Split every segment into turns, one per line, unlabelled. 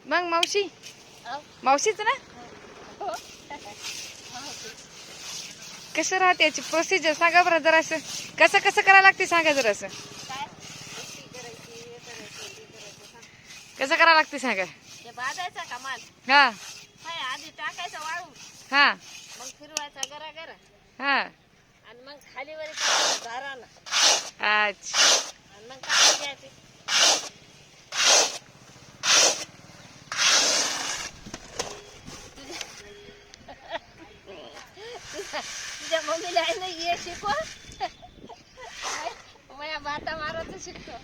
मग मावशी
अहो,
मावशीच ना
हो.
कसं राहते याची प्रोसिजर सांगा बरं जरा असं कसं कसं करायला लागते सांगा जरा असं
काय कशी करायची हे करायचं ते करायचं सांग.
कसं करायला लागते सांगा
ते भाजायचा का माल
हा
हाय आधी टाकायचा वाळू
हा
मग फिरवायचा गरा गरा
हा
आणि मग खाली वर करायचा दाराला
अच्छा
आणि मग काढून घ्यायचे. तुझ्या मम्मीला आहे ना ये शिकव माझ्या बाता मारायचं शिकतो.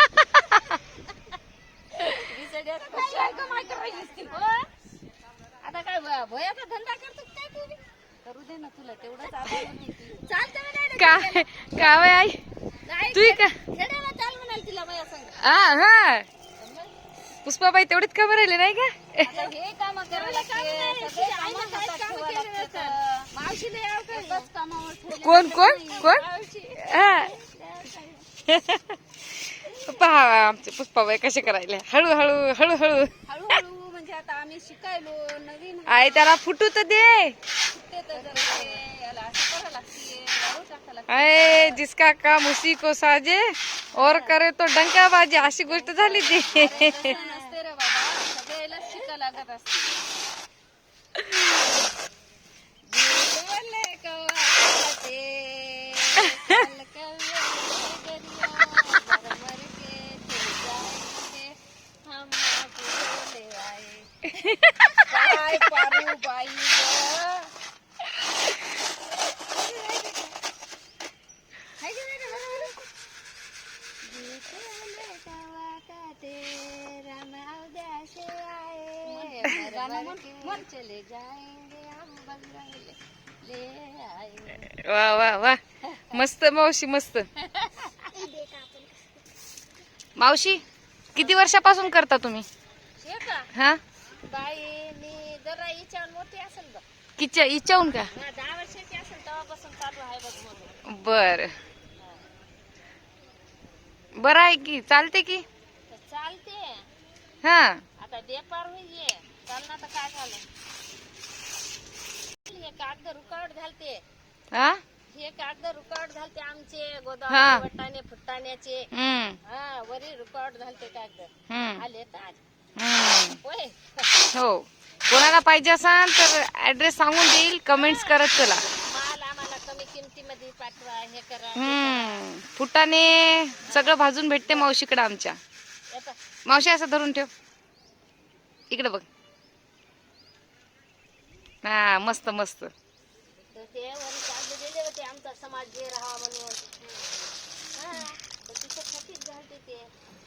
बिचाऱ्या कशी आहे कमाई करायची असती. हो. आता काय भयाचा धंदा करतो काय तू बी? करू दे ना तुला तेवढंच आता चालतं म्हणाले
काय काय आई
नाही
तू का
खेड्याला चाल म्हणाल तिला माझ्या संग.
हा हा पुष्पाबाई तेवढीच का राहिले नाही का
आता हे काम करायला लागते सगळे कामं हातात ठेवावं लागतं. मावशीला याव काय एकच कामावर ठेवलं
कोण कोण कोण
मावशी
हा पहा आमचे पुष्पाबाई कसे करायले हळूहळू हळूहळू
हळूहळू म्हणजे आता आम्ही शिकायलो नवीन
आई त्याला फुटू तर दे
शिकते तर जरा ते याला असं करावं लागते वाळू टाकावं लागते.
अरे जिसका काम उसी को साजे और करे तो डंका बाजे अशी गोष्ट झाली ती
तसं नसते रे बाबा सगळ्याला शिकायला लागत असते. बोले कवाते, साल कव्वे दरिया, मर के चले जाएंगे, हम बोले आए. काय पारू बाई गं. हाय की नाही रे बरोबर? बोले कवाते, राम अवध्यासे आए, मर मर के चले जाएंगे, हम बजरंग ले आए.
वा वा वा मस्त मावशी मस्त मावशी किती वर्षापासून करता तुम्ही
हे का
हा
बाई मी जरा इच्छावर मोठी असेल बघ
किच्या इच्छाहून का
10 वर्षाची असेल तेव्हापासून चालू आहे बघ म्हणून.
बर बर आहे की चालते की
तर चालते
हा
आता बेपार होईये चालना तर काय झालं हे कागद रुकावट झालते
हा
हे कागद रुकावट झालते आमचे
हा.
गोदाम वटाणे फुटाण्याचे
हम्म
वरी रुकावट झालते कागद
हम्म
आले तर आज
हम्म
होय
हो कोणाला पाहिजे असाल तर ऍड्रेस सांगून देईल कमेंट्स करत चला
माल आम्हाला कमी किमतीमध्ये पाठवा हे करा ते करा.
फुटाने सगळं भाजून भेटते मावशीकडे आमच्या
येतं.
मावशी असं धरून ठेव इकडे बघ हा मस्त मस्त
तर ते वरी कागद दिले होते आमचा समाज जे राहावा म्हणून तर तिच्यासाठीच घालते ते